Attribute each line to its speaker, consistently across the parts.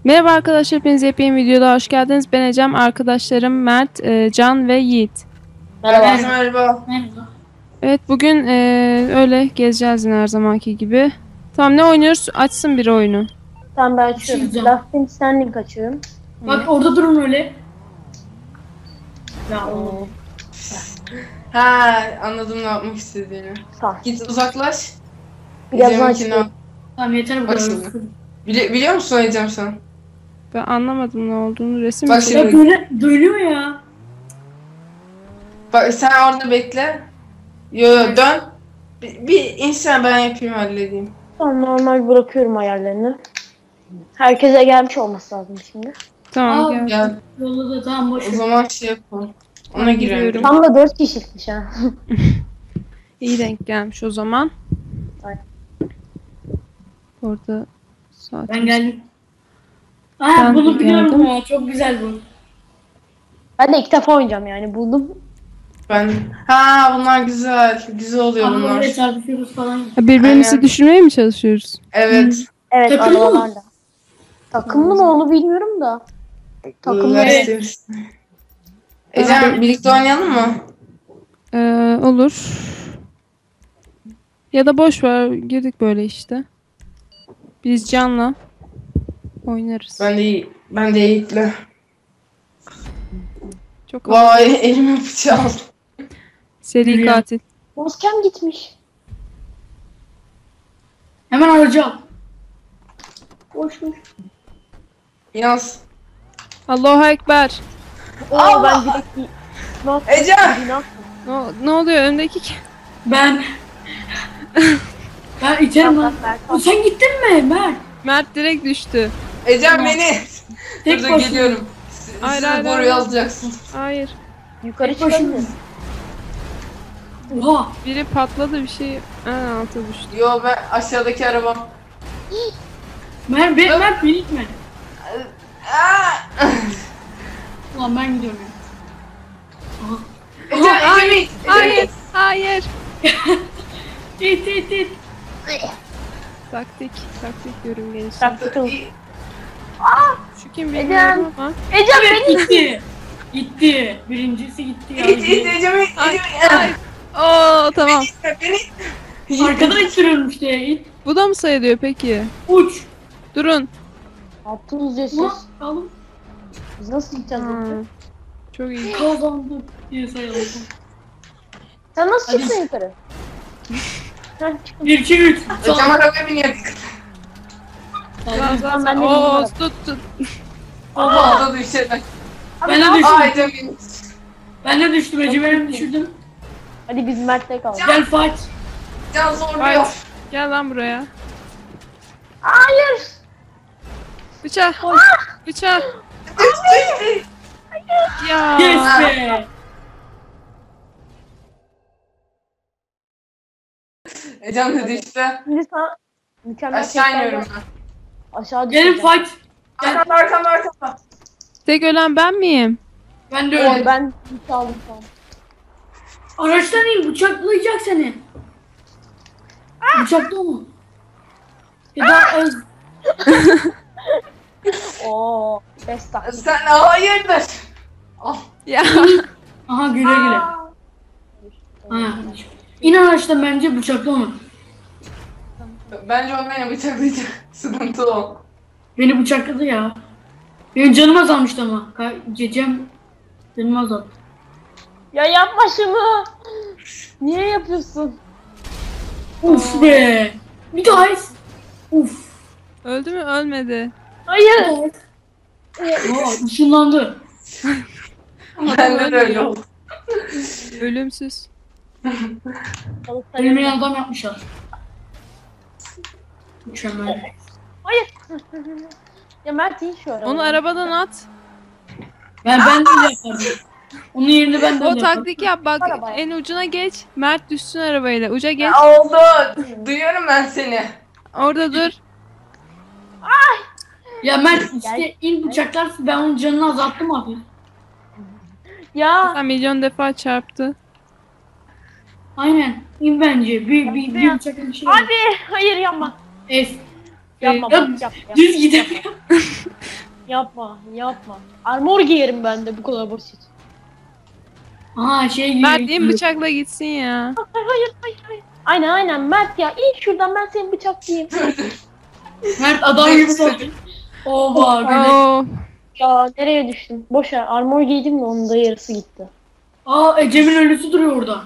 Speaker 1: Merhaba arkadaşlar, hepiniz yepyeni videoda hoş geldiniz. Ben Ecem, arkadaşlarım Mert, Can ve Yiğit.
Speaker 2: Merhaba. Merhaba. Merhaba.
Speaker 1: Evet, bugün öyle gezeceğiz yine her zamanki gibi. Tamam, ne oynuyoruz? Açsın bir oyunu.
Speaker 3: Tamam ben açıyorum. Last in Standing açıyorum.
Speaker 2: Bak orada durun öyle. Ya oğlum.
Speaker 4: Ha, anladım ne yapmak istediğini.
Speaker 3: Tamam.
Speaker 4: Git uzaklaş.
Speaker 3: Birazdan
Speaker 4: Ecem'inkini
Speaker 3: açıyorum.
Speaker 4: al.
Speaker 2: Tamam yeter bu
Speaker 4: Bak
Speaker 2: kadar.
Speaker 4: şimdi. Biliyor musun Ecem sen?
Speaker 1: Ben anlamadım ne olduğunu. Resim
Speaker 4: Bak
Speaker 1: mi?
Speaker 4: şimdi.
Speaker 2: Ya böyle dönüyor ya.
Speaker 4: Bak sen orada bekle. Yo dön. Bir insan ben yapayım halledeyim.
Speaker 3: Tamam normal bırakıyorum ayarlarını. Herkese gelmiş olması lazım şimdi.
Speaker 1: Tamam,
Speaker 2: Aa,
Speaker 1: gel.
Speaker 4: Gel.
Speaker 2: Yolda da tamam boş
Speaker 4: O
Speaker 2: ver.
Speaker 4: zaman şey yapalım. Ona
Speaker 1: Ben
Speaker 4: girelim.
Speaker 1: giriyorum.
Speaker 3: Tam da 4 kişilikmiş ha.
Speaker 1: İyi denk gelmiş o zaman.
Speaker 3: Aynen.
Speaker 1: Orada saat.
Speaker 2: Ben geldim.
Speaker 1: Ben
Speaker 2: Aa bunu
Speaker 1: de
Speaker 2: biliyorum
Speaker 1: geldim.
Speaker 2: ya. Çok güzel bu.
Speaker 3: Ben de ilk defa oynayacağım yani buldum.
Speaker 4: Ha bunlar güzel. Güzel oluyor
Speaker 2: Ama
Speaker 4: bunlar.
Speaker 2: böyle çarpışıyoruz falan.
Speaker 1: Birbirimizi
Speaker 4: Aynen.
Speaker 1: düşürmeye mi çalışıyoruz?
Speaker 4: Evet.
Speaker 3: Evet
Speaker 2: Takımlı mı?
Speaker 3: arabalarla. Takımlı mı onu bilmiyorum da. Takımlı.
Speaker 4: Evet.
Speaker 3: Evet.
Speaker 4: Ecem birlikte oynayalım mı?
Speaker 1: Olur. Ya da boş ver, girdik böyle işte. Biz Can'la oynarız.
Speaker 4: Ben de Yiğit'le.
Speaker 1: Çok
Speaker 4: Vay elime bıçağı aldım.
Speaker 1: seri
Speaker 2: Yürüyen.
Speaker 1: katil.
Speaker 3: Maskem gitmiş.
Speaker 2: Hemen alacağım.
Speaker 3: Boşmuş.
Speaker 4: Yaz.
Speaker 1: Allahu Ekber.
Speaker 3: Oo ben direkt
Speaker 4: Ecem!
Speaker 1: Ne oluyor öndeki
Speaker 2: Ben içerim lan. O, sen gittin mi Mert?
Speaker 1: Mert direkt düştü.
Speaker 4: Ecem beni.
Speaker 2: Tek
Speaker 4: Dur
Speaker 2: başına.
Speaker 4: geliyorum.
Speaker 1: Hayır,
Speaker 4: Siz
Speaker 1: hayır,
Speaker 4: boru
Speaker 1: hayır.
Speaker 4: yazacaksın.
Speaker 1: Hayır.
Speaker 3: Yukarı
Speaker 2: Tek başına.
Speaker 3: çıkamıyorum.
Speaker 2: Oha.
Speaker 1: Biri patladı bir şey. Alta düştü.
Speaker 4: Yo ben aşağıdaki arabam.
Speaker 2: Mert beni itme.
Speaker 4: Aa!
Speaker 2: Ulan ben gidiyorum ya. Aha.
Speaker 4: Ecem it.
Speaker 1: Hayır. Hayır.
Speaker 2: İt.
Speaker 1: Taktik yorum gelişti.
Speaker 3: Taktım.
Speaker 1: Şu kim bilmiyorum ama.
Speaker 3: Ecem beni.
Speaker 2: Gitti. Birincisi gitti ya.
Speaker 4: İt Ecem it.
Speaker 1: Ay,
Speaker 4: Ecem
Speaker 1: ay. Oo tamam.
Speaker 4: Beni.
Speaker 2: Arkadan ittiriyorum işte. İt.
Speaker 1: Bu da mı sayılıyor peki?
Speaker 2: Uç.
Speaker 1: Durun.
Speaker 3: Yaptınız ya siz.
Speaker 2: Ulan alın.
Speaker 3: Biz nasıl gideceğiz?
Speaker 1: Ha, çok iyi.
Speaker 2: Kazandık diye sayalım.
Speaker 3: Sen nasıl
Speaker 2: Hadi.
Speaker 3: çıktın yukarı? Heh, çıktım.
Speaker 2: 1 2 3.
Speaker 4: Ecem arabaya biniyor.
Speaker 1: Lan,
Speaker 3: ben de
Speaker 1: Oo
Speaker 3: bilmiyorum.
Speaker 1: tut.
Speaker 4: Oha da düşecek.
Speaker 2: Ben de
Speaker 4: Aa
Speaker 2: düştüm.
Speaker 4: Ecem in.
Speaker 2: Ben de düştüm. Ecemer'i düşürdüm.
Speaker 3: Hadi biz Mert'le kaldık.
Speaker 2: Gel fight.
Speaker 4: Can zorluyor.
Speaker 1: Gel lan buraya.
Speaker 3: Hayır.
Speaker 1: Bıçak. Bıçak. Ya.
Speaker 2: Yes be.
Speaker 4: Ecem de düştü.
Speaker 3: Şimdi sana mükemmel
Speaker 4: Aşağı
Speaker 3: tekrar
Speaker 4: iniyorum ben.
Speaker 3: aşağı
Speaker 2: Gelin
Speaker 3: düşeceğim.
Speaker 2: fight. Gel.
Speaker 4: Arkamda.
Speaker 1: Tek ölen ben miyim?
Speaker 2: Ben de
Speaker 3: Oy,
Speaker 2: öyle.
Speaker 3: ben hiç aldım şu an.
Speaker 2: Araçtan in. Bıçaklayacak seni. Bıçakla mı? Ya da az.
Speaker 3: Oo, best taktik.
Speaker 4: Sen hayırdır? Al.
Speaker 1: Ya.
Speaker 2: Aha güle güle. Ha. İn araçtan bence bıçakla onu.
Speaker 4: Bence o beni bıçaklayacak. Sıkıntı o.
Speaker 2: Beni bıçakladı ya. Benim canım azalmıştı ama. Cecem canım azaldı.
Speaker 3: Ya yapma şunu. Niye yapıyorsun?
Speaker 2: Uf be. Bir daha es. Uf.
Speaker 1: Öldü mü? Ölmedi.
Speaker 3: Hayır.
Speaker 2: Aa, ışınlandı.
Speaker 4: Ben de öyle oldu.
Speaker 1: Ölümsüz.
Speaker 2: Ölmeyen adam yapmışlar. Mükemmel.
Speaker 3: Hayır. Ya Mert iyi şu araba.
Speaker 1: Onu arabadan at.
Speaker 2: Ben de yapardım. Onun yerine ben de
Speaker 1: O
Speaker 2: yapardım.
Speaker 1: taktik yap bak.
Speaker 3: Arabaya.
Speaker 1: En ucuna geç. Mert düşsün arabayla. Uca geç.
Speaker 4: Oldu. Duyuyorum ben seni.
Speaker 1: Orada dur.
Speaker 2: Ya Mert işte in bıçaklarsın, ben onun canını azalttım abi.
Speaker 3: Ya.
Speaker 1: Sen milyon defa çarptı.
Speaker 2: Aynen. İn bence. Bir bıçakla bir şey.
Speaker 3: Abi hayır yapma.
Speaker 2: Es.
Speaker 3: Yapma bak yapma.
Speaker 2: Düz gidelim.
Speaker 3: Yapma. Armor giyerim ben de bu kadar basit.
Speaker 2: Aa şey gibi.
Speaker 1: Mert in bıçakla gitsin ya.
Speaker 3: Hayır. Aynen Mert ya. İn şuradan ben seni bıçaklayayım.
Speaker 2: Mert adam gibi oldu. Oha böyle.
Speaker 1: Oo.
Speaker 3: Ya nereye düştüm? Boş ver. Armor giydim de onun da yarısı gitti.
Speaker 2: Aa Ecem'in ölüsü duruyor orada.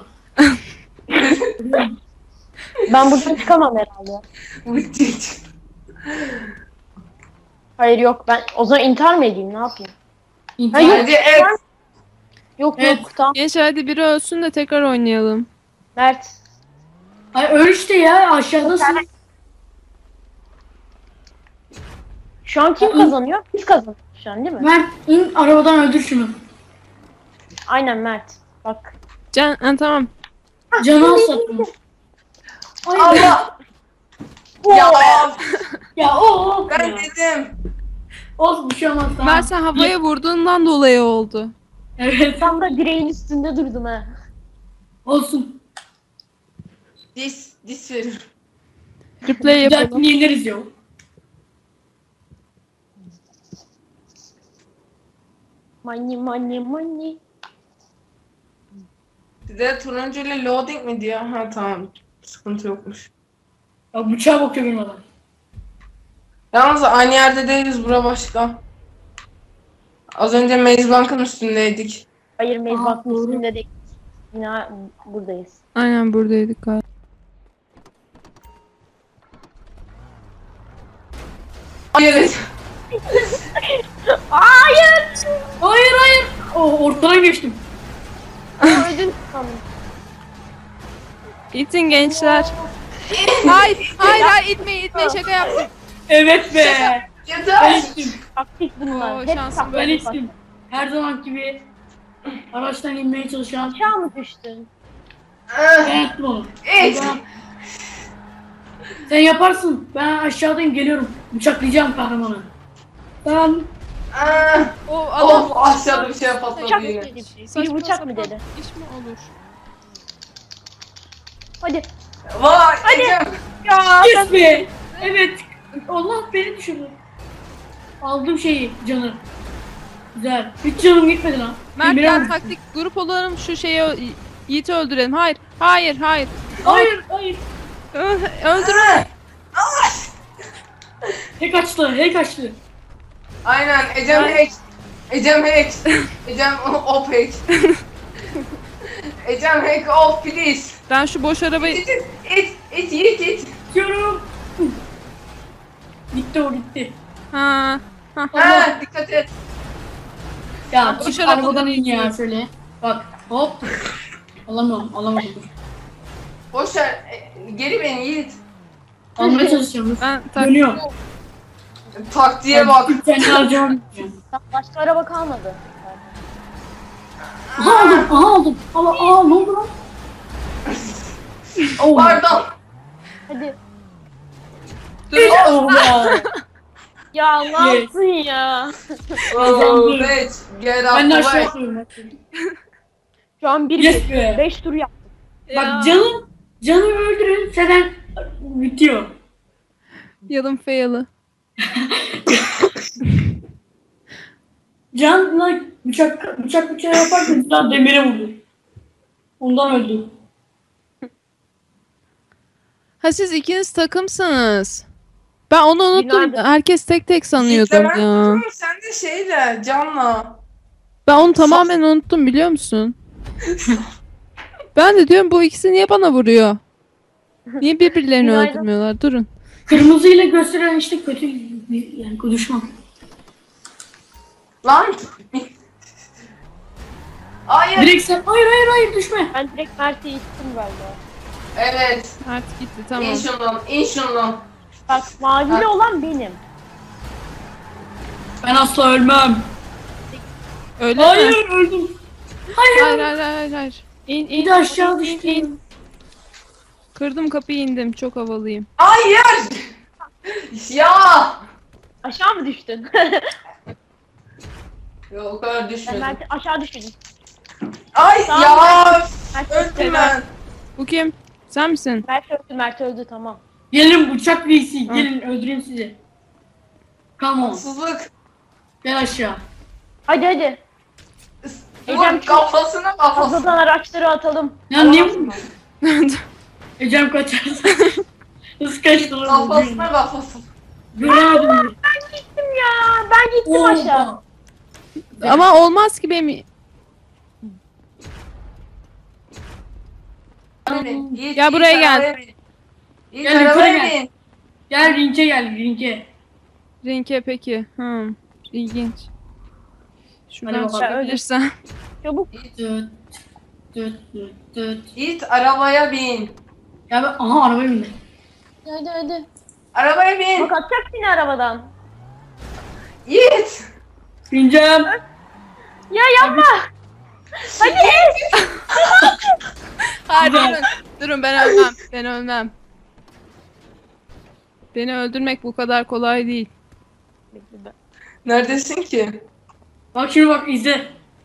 Speaker 3: Ben buradan çıkamam herhalde. Hayır yok ben o zaman intihar mı edeyim ne yapayım?
Speaker 2: İntihar.
Speaker 3: Hayır.
Speaker 4: Hadi evet.
Speaker 3: Yok
Speaker 2: Evet.
Speaker 3: tamam.
Speaker 1: Gençler hadi biri ölsün de tekrar oynayalım.
Speaker 3: Mert.
Speaker 2: Ay öl işte ya aşağıdasın.
Speaker 3: Şu an kim kazanıyor? Biz kazanıyoruz şu an değil mi?
Speaker 2: Mert in arabadan öldür şunu.
Speaker 3: Aynen Mert. Bak.
Speaker 1: Tamam.
Speaker 2: Canı aslatma. Ay
Speaker 4: Allah. Ya
Speaker 2: ya o.
Speaker 4: ben
Speaker 2: Ya.
Speaker 4: dedim.
Speaker 2: Olsun bir şey olmaz tamam.
Speaker 1: Mert sen havaya vurduğundan dolayı oldu.
Speaker 2: Evet
Speaker 3: Tam da direğin üstünde durdum ha.
Speaker 2: olsun.
Speaker 4: Dis verir.
Speaker 1: Replay
Speaker 2: Bir
Speaker 1: yapalım.
Speaker 2: dahakini yeneriz ya.
Speaker 3: Money.
Speaker 4: Size turuncu ile loading mi diyor? Ha tamam. Sıkıntı yokmuş.
Speaker 2: Ya bıçağa bakıyor benim adam.
Speaker 4: Yalnız aynı yerde değiliz, bura başka. Az önce Maze Bank'ın üstündeydik.
Speaker 3: Hayır
Speaker 2: Aa,
Speaker 3: mezbahın
Speaker 2: doğru.
Speaker 3: üstünde değil. Yine buradayız.
Speaker 1: Aynen buradaydık galiba.
Speaker 4: Hayır.
Speaker 2: Hayır. Oh ortadan geçtim.
Speaker 3: Öldün sandım.
Speaker 1: İtin gençler. hayır itmeyin şaka yaptım.
Speaker 2: Evet be. Ben
Speaker 4: Yeter.
Speaker 2: içtim.
Speaker 3: Taktik bunlar.
Speaker 1: Oo,
Speaker 3: Hep
Speaker 1: şansım
Speaker 3: taktik.
Speaker 2: Ben
Speaker 1: böyle.
Speaker 2: içtim. Her zaman gibi araçtan inmeye çalışan
Speaker 3: Aşağı mı düştün?
Speaker 2: ben yaptım onu.
Speaker 4: Evet.
Speaker 2: Sen yaparsın. Ben aşağıdayım geliyorum. Bıçaklayacağım kahramanı. Ben
Speaker 1: O adam
Speaker 4: Of aşağıda bir şey
Speaker 3: Bıçak
Speaker 4: patladı
Speaker 3: mı
Speaker 4: yine.
Speaker 3: dedi? Biri
Speaker 1: saçma
Speaker 3: bıçak mı
Speaker 1: sapan
Speaker 3: dedi?
Speaker 1: İş mi olur?
Speaker 3: Hadi.
Speaker 4: Vay Ecem.
Speaker 3: Ya
Speaker 2: yes be. Evet. Allah beni düşürdü. Aldım şeyi canı. Güzel. Hiç canım gitmedi lan.
Speaker 1: Mert
Speaker 2: Emre
Speaker 1: gel
Speaker 2: abi.
Speaker 1: taktik grup olalım şu Yiğit'i öldürelim. Hayır.
Speaker 2: Hayır.
Speaker 1: Öldürme.
Speaker 2: Hack açtı.
Speaker 4: Aynen Ecem hack. Ecem hack. Ecem off hack. Ecem hack off please.
Speaker 1: Ben şu boş arabayı...
Speaker 4: İt.
Speaker 2: Diyorum. Gitti o gitti.
Speaker 1: Ha.
Speaker 4: Ha dikkat et.
Speaker 2: Ya
Speaker 1: Boş
Speaker 2: çık
Speaker 1: arabadan
Speaker 2: arabadan in ya
Speaker 1: iniyor.
Speaker 2: şöyle. Bak hop. Alamadım. Dur.
Speaker 4: Boş ver. Geri beni Yiğit.
Speaker 2: Almaya çalışacağım.
Speaker 1: Ben
Speaker 2: Dönüyor.
Speaker 4: Taktiğe bak.
Speaker 2: Kendi harcamam.
Speaker 3: başka araba kalmadı.
Speaker 2: Aha aldım. Aa ne oldu lan? Oh,
Speaker 4: Pardon.
Speaker 3: Hadi.
Speaker 2: Oh ya.
Speaker 3: Ya ne
Speaker 2: Yes.
Speaker 3: yaptın ya?
Speaker 4: Oh bitch. Get out
Speaker 2: Ben de
Speaker 4: the
Speaker 2: aşağı
Speaker 4: way.
Speaker 2: atlıyorum.
Speaker 3: Şu an
Speaker 2: Yes be.
Speaker 3: 5 tur yaptık.
Speaker 2: Bak canı öldürürsen bitiyor.
Speaker 1: Yalın fail'ı.
Speaker 2: Canla bıçak yaparken daha demire vurdu. Ondan öldü.
Speaker 1: Ha siz ikiniz takımsınız. Ben onu unuttum.
Speaker 3: Günaydın.
Speaker 1: Herkes tek tek sanıyordum
Speaker 4: Yiğit'le ben
Speaker 1: ya.
Speaker 4: tutuyorum, sen de şeyle Can'la.
Speaker 1: Ben onu tamamen unuttum biliyor musun? Ben de diyorum bu ikisi niye bana vuruyor? Niye birbirlerini
Speaker 3: Günaydın.
Speaker 1: öldürmüyorlar? Durun.
Speaker 2: Kırmızıyla gösteren işte kötü yani düşman.
Speaker 4: Lan. Hayır.
Speaker 2: Direkt sen hayır düşme.
Speaker 3: Ben direkt Mert'e ittim galiba.
Speaker 4: Evet.
Speaker 1: Artık gitti tamam.
Speaker 4: İn şundan.
Speaker 3: Bak mavili olan benim.
Speaker 2: Ben asla ölmem.
Speaker 1: Öyle mi?
Speaker 2: Hayır öldüm.
Speaker 1: Hayır. İn
Speaker 2: Bir de aşağı düştüm.
Speaker 1: Kırdım kapıyı indim. Çok havalıyım.
Speaker 4: Hayır. Ya.
Speaker 3: Aşağı mı düştün?
Speaker 4: Yok o kadar
Speaker 3: Ben
Speaker 4: düşmedim.
Speaker 3: Mert'e aşağı düştüm.
Speaker 4: Ay
Speaker 3: Tamam.
Speaker 4: ya.
Speaker 3: Mert
Speaker 4: Öldüm
Speaker 3: öldü.
Speaker 4: ben.
Speaker 1: Bu kim? Sen misin?
Speaker 3: Mert öldü tamam.
Speaker 2: Gelin bıçak reisi. Gelin öldüreyim sizi. Come on.
Speaker 4: Haksızlık.
Speaker 2: Gel aşağı.
Speaker 3: Hadi hadi.
Speaker 4: Vur kafasına.
Speaker 3: Fazladan araçları atalım.
Speaker 2: Ya niye bu? Ecem kaçarsın. Hız kaçtı lan.
Speaker 4: Kafasına.
Speaker 2: Göremedim.
Speaker 3: Ben gittim ya. Ben gittim aşağı.
Speaker 1: Ama olmaz ki benim. Ya buraya gel.
Speaker 2: Gel yukarı gel. Gel rinke gel rinke.
Speaker 1: Rinke peki. İlginç. Şuradan
Speaker 2: Hadi bakalım.
Speaker 1: çıkabilirsen.
Speaker 3: Çabuk.
Speaker 2: Düt düt düt düt.
Speaker 4: Git arabaya bin.
Speaker 2: Ya ben aha arabaya bindim.
Speaker 3: Hadi hadi.
Speaker 4: Arabaya bin.
Speaker 3: Bak atacak seni arabadan.
Speaker 4: Git.
Speaker 2: Bineceğim.
Speaker 3: Ya yapma. Hadi ez.
Speaker 1: Hayır durun. Durun ben ölmem. Ben ölmem. Beni öldürmek bu kadar kolay değil.
Speaker 4: Neredesin ki?
Speaker 2: Bak şimdi bak izle.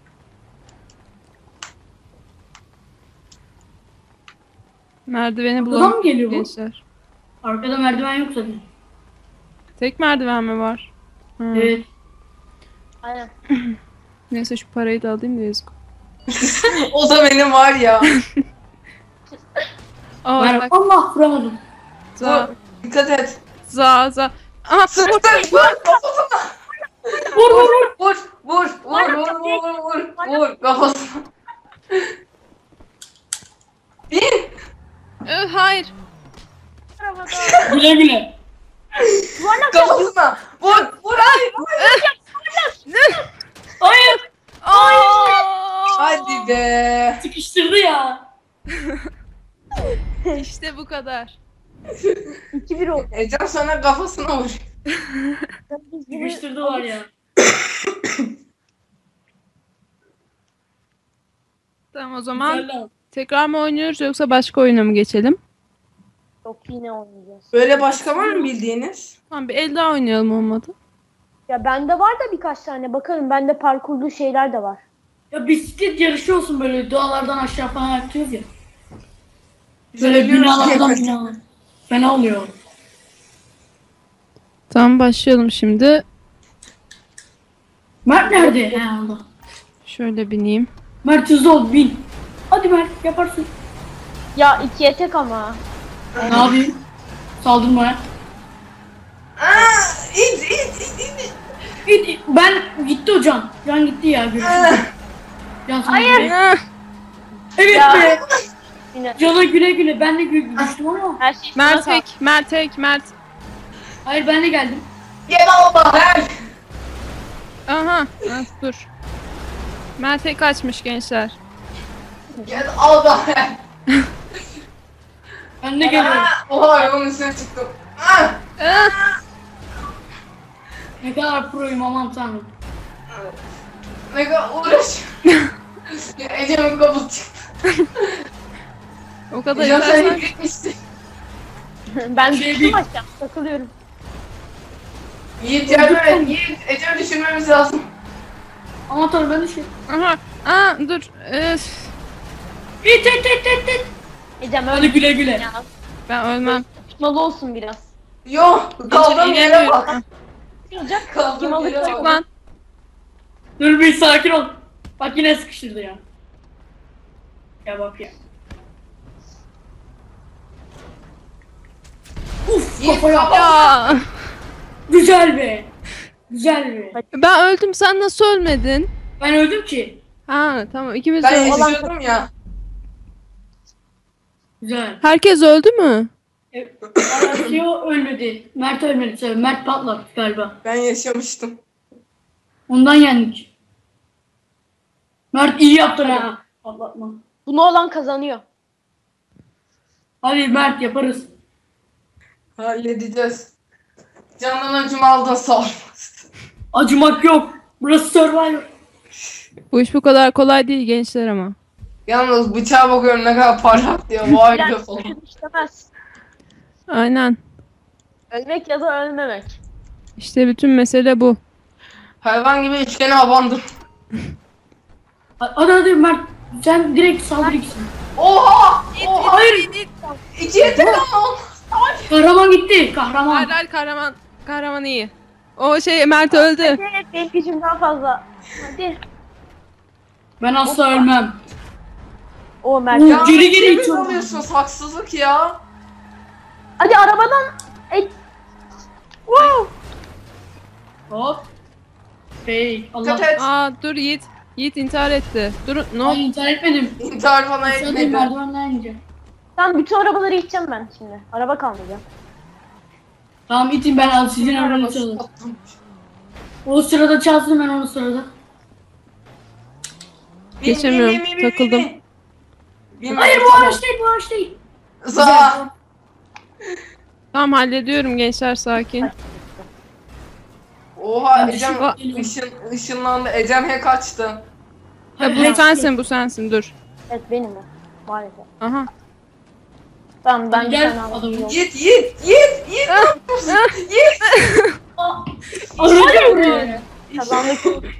Speaker 1: Merdiveni
Speaker 2: Buradan
Speaker 1: bulalım
Speaker 2: mı geliyor bu?
Speaker 1: gençler.
Speaker 2: Arkada merdiven yok zaten.
Speaker 1: Tek merdiven mi var?
Speaker 2: Evet.
Speaker 3: Aynen.
Speaker 1: Neyse şu parayı da alayım da yazık.
Speaker 4: O da benim var ya.
Speaker 1: Aa
Speaker 2: Ben
Speaker 1: bak.
Speaker 2: Allah vuramadım.
Speaker 1: Za.
Speaker 4: Dikkat et.
Speaker 1: Za. Aha
Speaker 4: Sıktın. Vur kafasına.
Speaker 2: Vur vur vur.
Speaker 4: Vur. Vur. Vur kafasına. Bin.
Speaker 1: Hayır.
Speaker 3: Arabadan.
Speaker 2: Güle güle.
Speaker 4: Kafasına. Vur. Vur.
Speaker 2: Hayır.
Speaker 4: Hadi be.
Speaker 2: Sıkıştırdı ya.
Speaker 1: İşte bu kadar.
Speaker 3: 2-1 oldu.
Speaker 4: Ecem sana kafasına vur.
Speaker 2: Sıkıştırdı var ya.
Speaker 1: Tamam o zaman
Speaker 2: Güzel lan.
Speaker 1: tekrar mı oynuyoruz yoksa başka oyuna mı geçelim?
Speaker 3: Yok yine oynayacağız.
Speaker 4: Böyle başka var mı bildiğiniz?
Speaker 1: Tamam bir el daha oynayalım olmadı.
Speaker 3: Ya bende var da birkaç tane. Bakalım bende parkurlu şeyler de var.
Speaker 2: Ya bisiklet yarışı olsun böyle dağlardan aşağı falan yapıyoruz ya. Böyle
Speaker 4: Söylüyoruz
Speaker 2: binalardan
Speaker 4: ki-
Speaker 2: binalar. Fena oluyor.
Speaker 1: Tamam başlayalım şimdi.
Speaker 2: Mert nerede? He Allah.
Speaker 1: Şöyle bineyim.
Speaker 2: Mert hızlı ol bin. Hadi Mert yaparsın.
Speaker 3: Ya ikiye tek ama.
Speaker 2: Ne yapayım? Saldırmaya.
Speaker 4: İt.
Speaker 2: Git, ben gitti hocam. Can gitti ya görüşürüz. Can sana güle.
Speaker 1: Ah,
Speaker 2: Evet
Speaker 3: Ya.
Speaker 2: be.
Speaker 3: Yine.
Speaker 2: Cana güle güle. Ben de düştüm ama.
Speaker 3: Her şey
Speaker 1: Mert
Speaker 3: sana
Speaker 1: tek, Mert tek, Mert.
Speaker 2: Hayır ben de geldim.
Speaker 4: Gel alma. Ver.
Speaker 1: Aha, dur. Mert tek kaçmış gençler.
Speaker 4: Gel al da ver.
Speaker 2: Ben de geliyorum.
Speaker 4: Oha yolun üstüne çıktım. Ah!
Speaker 1: Ah,
Speaker 2: Ne kadar proyum aman tanrım.
Speaker 4: Ne kadar uğraş. Ya Ecem'in kafası çıktı.
Speaker 1: o kadar
Speaker 4: Ecem sen
Speaker 1: yetersen.
Speaker 4: gitmişsin.
Speaker 3: Ben
Speaker 2: Şey
Speaker 3: düştüm
Speaker 2: değil.
Speaker 3: aşağı. Takılıyorum.
Speaker 4: Yiğit yardım et. Yiğit Ecem'i düşürmemiz lazım.
Speaker 2: Aman tanrım ben de şey.
Speaker 1: Aha, dur. Öf,
Speaker 2: İt it it it it.
Speaker 3: Ecem
Speaker 2: Hadi
Speaker 3: öyle
Speaker 2: güle güle.
Speaker 3: ya.
Speaker 1: ben ölmem.
Speaker 3: Tutmalı olsun biraz.
Speaker 4: Yok. Kaldığım
Speaker 1: Ecem
Speaker 4: yere
Speaker 1: inemiyorum.
Speaker 4: bak.
Speaker 3: Olacak. Kim
Speaker 4: Kaldığım yere
Speaker 3: alacak?
Speaker 1: Çık
Speaker 4: bak.
Speaker 1: lan.
Speaker 2: Dur bir sakin ol. Bak yine sıkıştırdı ya. Ya bak ya. Uf
Speaker 4: Yiğit
Speaker 2: kafaya.
Speaker 4: kapat.
Speaker 1: Ya,
Speaker 2: Güzel be. Güzel be.
Speaker 1: ben öldüm sen nasıl ölmedin?
Speaker 2: Ben öldüm ki.
Speaker 1: Ha tamam ikimiz de
Speaker 4: Ben
Speaker 1: öldük.
Speaker 4: yaşıyordum ya.
Speaker 2: Güzel.
Speaker 1: Herkes öldü mü?
Speaker 2: Arasio ölmedi. Mert ölmedi. Tabii. Mert patladı galiba.
Speaker 4: Ben yaşamıştım.
Speaker 2: Ondan yendik. Mert iyi yaptın ha. Patlatma.
Speaker 3: Bunu olan kazanıyor.
Speaker 2: Hadi Mert yaparız.
Speaker 4: Halledeceğiz. Candan acımı aldın sağ ol.
Speaker 2: Acımak yok. Burası Survivor.
Speaker 1: Bu iş bu kadar kolay değil gençler ama.
Speaker 4: Yalnız bıçağa bakıyorum ne kadar parlak diyor. Vay be
Speaker 3: Biraz
Speaker 4: falan.
Speaker 3: istemez.
Speaker 1: Aynen.
Speaker 3: Ölmek ya da ölmemek.
Speaker 1: İşte bütün mesele bu.
Speaker 4: Hayvan gibi üçgene abandım.
Speaker 2: Hadi Mert. Sen direkt saldır ikisini.
Speaker 4: Oha!
Speaker 2: Hayır.
Speaker 4: İkiye tek ama olmaz.
Speaker 2: Kahraman gitti. Kahraman.
Speaker 1: Hayır hayır, kahraman iyi. O şey Mert öldü.
Speaker 3: Evet, benim gücüm daha fazla. Hadi.
Speaker 2: Ben asla ölmem.
Speaker 3: O Mert.
Speaker 2: Ya.
Speaker 4: Ya
Speaker 2: Geri geri
Speaker 4: kimi
Speaker 2: itiyorum.
Speaker 4: alıyorsunuz? Haksızlık ya.
Speaker 3: Hadi arabadan. Wow.
Speaker 2: Hop. Hey Allah.
Speaker 4: Dikkat et.
Speaker 1: Aa dur Yiğit. Yiğit intihar etti. Dur ne oldu?
Speaker 2: Ay intihar etmedim.
Speaker 4: İntihar falan
Speaker 2: Sadece
Speaker 4: etmedi.
Speaker 2: merdivenden ineceğim.
Speaker 3: Tamam, bütün arabaları içeceğim ben şimdi. Araba kalmayacak.
Speaker 2: Tamam itin, ben al sizin arabanı çalın. O sırada çalsın, ben onu sırada.
Speaker 1: Geçemiyorum, takıldım.
Speaker 2: Hayır bu araç değil, bu araç değil.
Speaker 4: Za.
Speaker 1: Tamam hallediyorum gençler, sakin.
Speaker 4: Oha
Speaker 2: Ben
Speaker 4: Ecem ışınlandı. Ecem hack açtı.
Speaker 1: Ya bu sensin, bu sensin, dur.
Speaker 3: Evet, benim o. Maalesef.
Speaker 1: Aha.
Speaker 3: Tamam, ben bir
Speaker 2: Gel,
Speaker 3: tane araba
Speaker 2: adamı.
Speaker 3: yok.
Speaker 4: Yiğit. Ne yapıyorsun? Yiğit.
Speaker 2: Aracı vuruyor.
Speaker 3: Kazandık.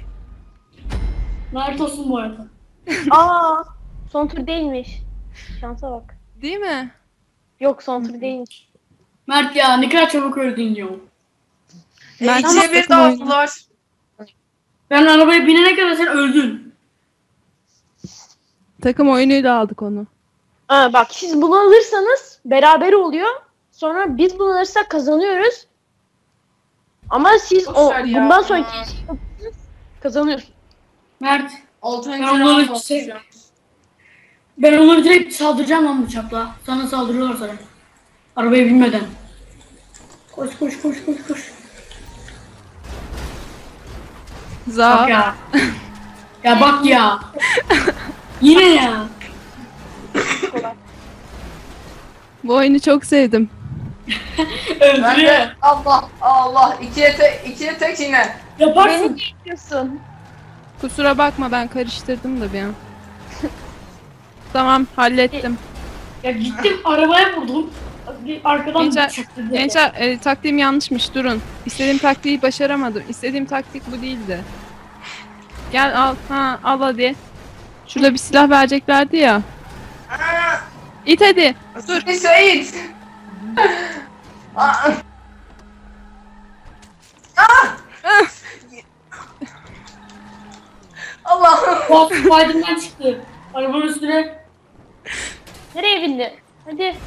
Speaker 2: Mert olsun bu arada.
Speaker 3: Aa, son tur değilmiş. Şansa bak.
Speaker 1: Değil mi?
Speaker 3: Yok, son tur değilmiş.
Speaker 2: Mert ya ne kadar çabuk öldün ya.
Speaker 1: Ben
Speaker 4: İkiye bir
Speaker 1: takım oyunu.
Speaker 4: dağıldılar.
Speaker 2: Ben arabaya binene kadar sen öldün.
Speaker 1: Takım oyunuyla aldık onu.
Speaker 3: Bak, siz bunu alırsanız beraber oluyor. Sonra biz bunu alırsak kazanıyoruz. Ama siz
Speaker 4: Boşver ya.
Speaker 3: bundan sonraki kazanıyorsunuz.
Speaker 2: Mert,
Speaker 4: Altıncı
Speaker 2: Ben onları
Speaker 4: round
Speaker 2: çek-
Speaker 4: olacağım.
Speaker 2: ben onları direkt saldıracağım lan bıçakla. Sana saldırıyorlar sana. Arabaya binmeden. Koş koş koş koş koş. Bak
Speaker 1: Za.
Speaker 2: ya. Ya bak ya. Yine ya.
Speaker 1: Bu oyunu çok sevdim.
Speaker 4: Ben
Speaker 2: Öldürüyor.
Speaker 4: de Allah. İkiye tek yine.
Speaker 2: Yaparsın.
Speaker 3: Diyorsun.
Speaker 1: Kusura bakma, ben karıştırdım da bir an. Tamam, hallettim.
Speaker 2: Ya gittim arabaya vurdum. Arkadan
Speaker 1: Gençler,
Speaker 2: bıçakladı.
Speaker 1: gençler taktiğim yanlışmış, durun. İstediğim taktiği başaramadım. İstediğim taktik bu değildi. Gel al, al hadi. Şurada bir silah vereceklerdi ya. İt hadi.
Speaker 4: Dur. Sait. Aa. Allah'ım.
Speaker 2: Bak Biden'dan çıktı. Arabanın üstüne.
Speaker 3: Nereye bindi? Hadi.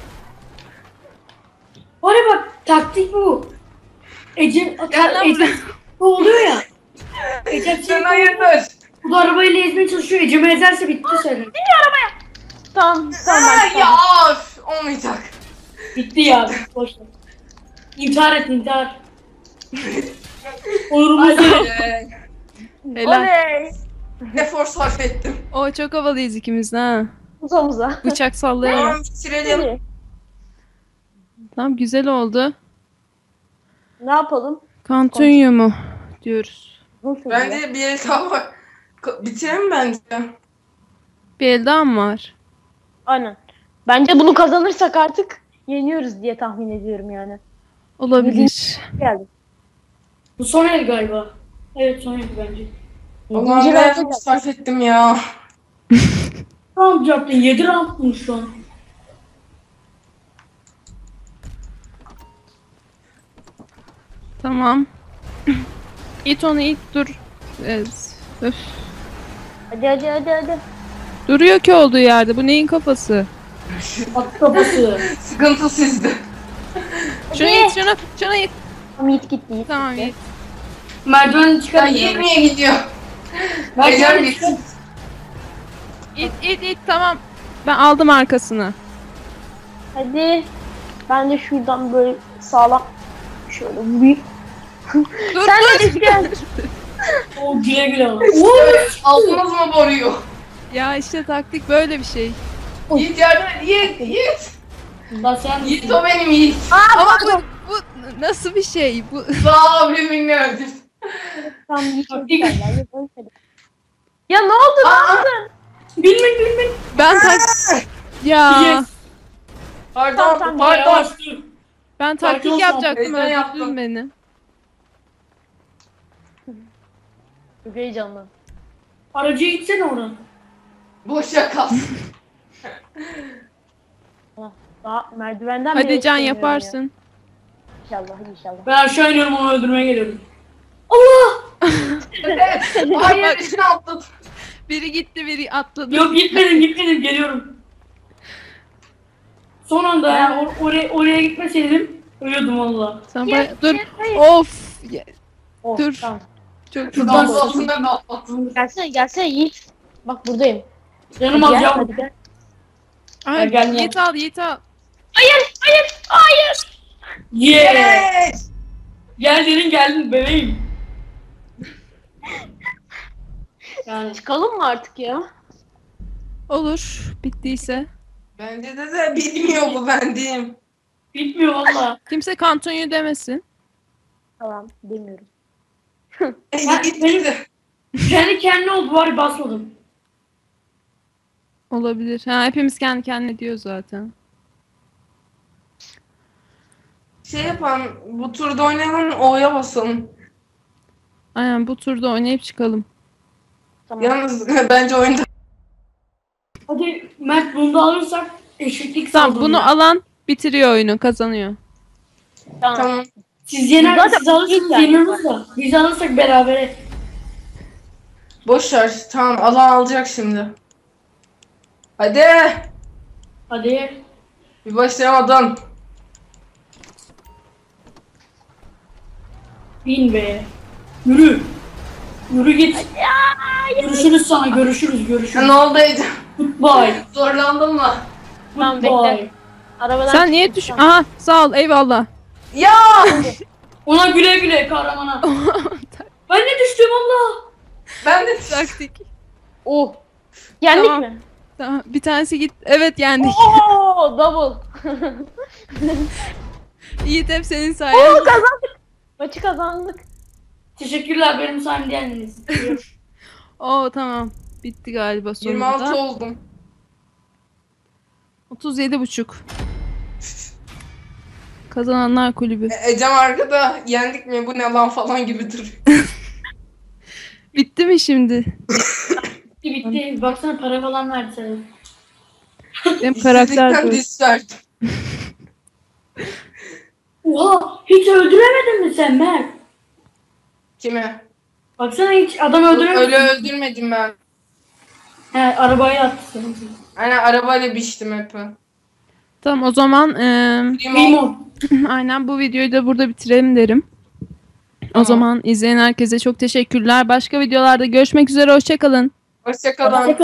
Speaker 2: Oraya bak taktik bu. Ece
Speaker 1: Gel lan
Speaker 2: Ece bu oluyor ya. Ece
Speaker 4: Sen hayırdır?
Speaker 2: bu da arabayla ezmeye çalışıyor. Ecem'i ezerse bitti senin.
Speaker 3: Tamam,
Speaker 4: Ya of, olmayacak.
Speaker 2: Bitti ya. Boş ver. İntihar et intihar. Onurumuz yok.
Speaker 1: Helal.
Speaker 3: Oley.
Speaker 4: Efor sarf ettim.
Speaker 1: O çok havalıyız ikimiz de ha.
Speaker 3: Uzamuza.
Speaker 1: Bıçak sallayarak.
Speaker 4: Tamam bitirelim.
Speaker 3: Hadi.
Speaker 1: Tamam, güzel oldu.
Speaker 3: Ne yapalım?
Speaker 1: Kantunyo mu diyoruz.
Speaker 3: Nasıl?
Speaker 4: Bence bir el daha var. Bitirelim bence.
Speaker 1: Bir el daha mı var?
Speaker 3: Aynen. Bence bunu kazanırsak artık yeniyoruz diye tahmin ediyorum yani.
Speaker 1: Olabilir.
Speaker 3: Geldi.
Speaker 2: Bu son el galiba. Evet son el bence.
Speaker 4: Allah'ım
Speaker 3: Yedinci
Speaker 4: ne
Speaker 3: rounda
Speaker 4: efor sarf ettim ya.
Speaker 2: Round yaptın. 7 round mu şu an?
Speaker 1: Tamam. İt onu, it, dur. Öf.
Speaker 3: Hadi.
Speaker 1: Duruyor ki olduğu yerde. Bu neyin kafası?
Speaker 2: Bak kafası.
Speaker 4: Sıkıntı sizde.
Speaker 1: Şunu it, şunu it.
Speaker 3: Tamam, Yiğit gitti. Yiğit
Speaker 1: Tamam
Speaker 3: gitti.
Speaker 1: it.
Speaker 2: Merdiveni
Speaker 4: Ya
Speaker 2: çıkarın.
Speaker 4: niye gidiyor? Ecem
Speaker 2: Merdiveni çıkar.
Speaker 4: gitsin.
Speaker 1: İt, tamam. Ben aldım arkasını.
Speaker 3: Hadi. Ben de şuradan böyle sağlam şöyle vurayım.
Speaker 1: Dur
Speaker 3: Sen de gel.
Speaker 2: O güle güle al.
Speaker 4: Aldınız mı boruyu?
Speaker 1: Ya işte taktik böyle bir şey.
Speaker 4: Yiğit yardım et. Yiğit.
Speaker 2: Lan sen
Speaker 4: Yiğit o benim Yiğit.
Speaker 1: Ama bu nasıl bir şey? Bu
Speaker 4: Sağ ol birbirini öldür.
Speaker 3: Tamam, Yiğit
Speaker 2: Taktik.
Speaker 3: gel. Ya ne oldu? Ne yaptın?
Speaker 2: Bilmek.
Speaker 1: ben ya
Speaker 2: Yes.
Speaker 4: Pardon,
Speaker 3: Tamam,
Speaker 4: pardon.
Speaker 2: Yavaş dur.
Speaker 1: ben taktik
Speaker 2: Sakin ol,
Speaker 1: yapacaktım,
Speaker 4: heyecan
Speaker 1: öldürdün
Speaker 4: yaptım.
Speaker 1: beni.
Speaker 3: Çok heyecanlı.
Speaker 2: Aracıya gitsene oradan.
Speaker 4: Boşa kalsın.
Speaker 3: Daha merdivenden bile
Speaker 1: Hadi Can
Speaker 3: çıkamıyorum
Speaker 1: yaparsın.
Speaker 3: ya. İnşallah inşallah.
Speaker 2: Ben aşağı iniyorum, onu öldürmeye geliyorum. Allah!
Speaker 4: Evet. Hayır içine atladım.
Speaker 1: Biri gitti biri atladı.
Speaker 2: Yok gitmedim geliyorum. Son anda yani oraya gitmeseydim ölüyordum valla.
Speaker 1: Sen
Speaker 3: Yes,
Speaker 1: dur.
Speaker 3: yes, hayır.
Speaker 1: Of.
Speaker 3: Oh,
Speaker 1: Dur.
Speaker 3: Tamam.
Speaker 1: Çok
Speaker 2: Şuradan
Speaker 4: Dans altında da atladım.
Speaker 3: Gelsene Yiğit. Bak buradayım.
Speaker 2: Canım
Speaker 3: Gel,
Speaker 2: alacağım.
Speaker 3: hadi gel.
Speaker 1: Ay,
Speaker 2: Gel, gel.
Speaker 1: Yiğit al.
Speaker 3: Hayır.
Speaker 2: Yeah!
Speaker 4: Yes.
Speaker 2: Geldin bebeğim. Yani
Speaker 3: Çıkalım mı artık ya?
Speaker 1: Olur. Bittiyse.
Speaker 4: Bence de bilmiyor bu ben diyeyim.
Speaker 2: bitmiyor valla.
Speaker 1: Kimse kantonyu demesin.
Speaker 3: Tamam demiyorum.
Speaker 4: Gitti.
Speaker 2: Kendi kendine oldu, var ya, basmadım.
Speaker 1: Olabilir. Ha, hepimiz kendi kendine diyor zaten.
Speaker 4: Şey yapan bu turda oynayalım O'ya basalım.
Speaker 1: Aynen bu turda oynayıp çıkalım.
Speaker 3: Tamam.
Speaker 4: Yalnız bence oyunda
Speaker 2: Hadi Mert, bunu da alırsak eşitlik
Speaker 1: Tamam
Speaker 2: sağlanıyor.
Speaker 1: bunu alan bitiriyor oyunu, kazanıyor.
Speaker 4: tamam.
Speaker 2: Siz yener,
Speaker 3: Zaten
Speaker 2: siz alırsınız
Speaker 3: ilk yani.
Speaker 2: yeniyoruz da. Biz alırsak berabere.
Speaker 4: Boş ver. Tamam alan alacak şimdi. Hadi.
Speaker 2: Hadi.
Speaker 4: Bir başlayamadın.
Speaker 2: Bin be. Yürü. Yürü git. Görüşürüz sana, görüşürüz.
Speaker 4: Ne oldu Ece?
Speaker 2: Goodbye.
Speaker 4: Zorlandın mı?
Speaker 3: Tamam
Speaker 2: Goodbye.
Speaker 3: bekle. Arabadan
Speaker 1: Sen niye
Speaker 3: çıktım,
Speaker 1: düş...
Speaker 3: tamam.
Speaker 1: Aha sağ ol eyvallah.
Speaker 4: Ya!
Speaker 2: Ona güle güle kahramana. Ben de düştüm Allah.
Speaker 4: Ben de
Speaker 1: Taktik.
Speaker 3: Oh. Yendik
Speaker 1: Tamam.
Speaker 3: mi?
Speaker 1: Tamam bir tanesi git. Evet yendik.
Speaker 3: Oo double.
Speaker 1: Yiğit hep senin sayende.
Speaker 3: Oo kazandık. Maçı kazandık.
Speaker 2: Teşekkürler, benim sayemde yendiniz.
Speaker 1: Oo tamam. Bitti galiba
Speaker 4: 26
Speaker 1: sonunda.
Speaker 4: oldum.
Speaker 1: 37,5. Kazananlar kulübü.
Speaker 4: Ecem arkada yendik mi bu ne lan falan gibi duruyor.
Speaker 1: Bitti mi şimdi?
Speaker 2: Bitti. Baksana, para falan verdi sana.
Speaker 1: Benim karakter
Speaker 4: İşsizlikten
Speaker 1: bu.
Speaker 4: diss verdim.
Speaker 2: Oha, hiç öldüremedin mi sen Mert?
Speaker 4: Kimi?
Speaker 2: Baksana, hiç adam öldüremedin.
Speaker 4: Öyle öldürmedim ben.
Speaker 2: He, arabaya attı sana.
Speaker 4: Aynen arabayla biçtim hep.
Speaker 1: Tamam o zaman
Speaker 2: Limon.
Speaker 1: aynen bu videoyu da burada bitirelim derim. O
Speaker 4: Tamam.
Speaker 1: zaman izleyen herkese çok teşekkürler. Başka videolarda görüşmek üzere. Hoşça kalın.
Speaker 4: Hoşçakalın.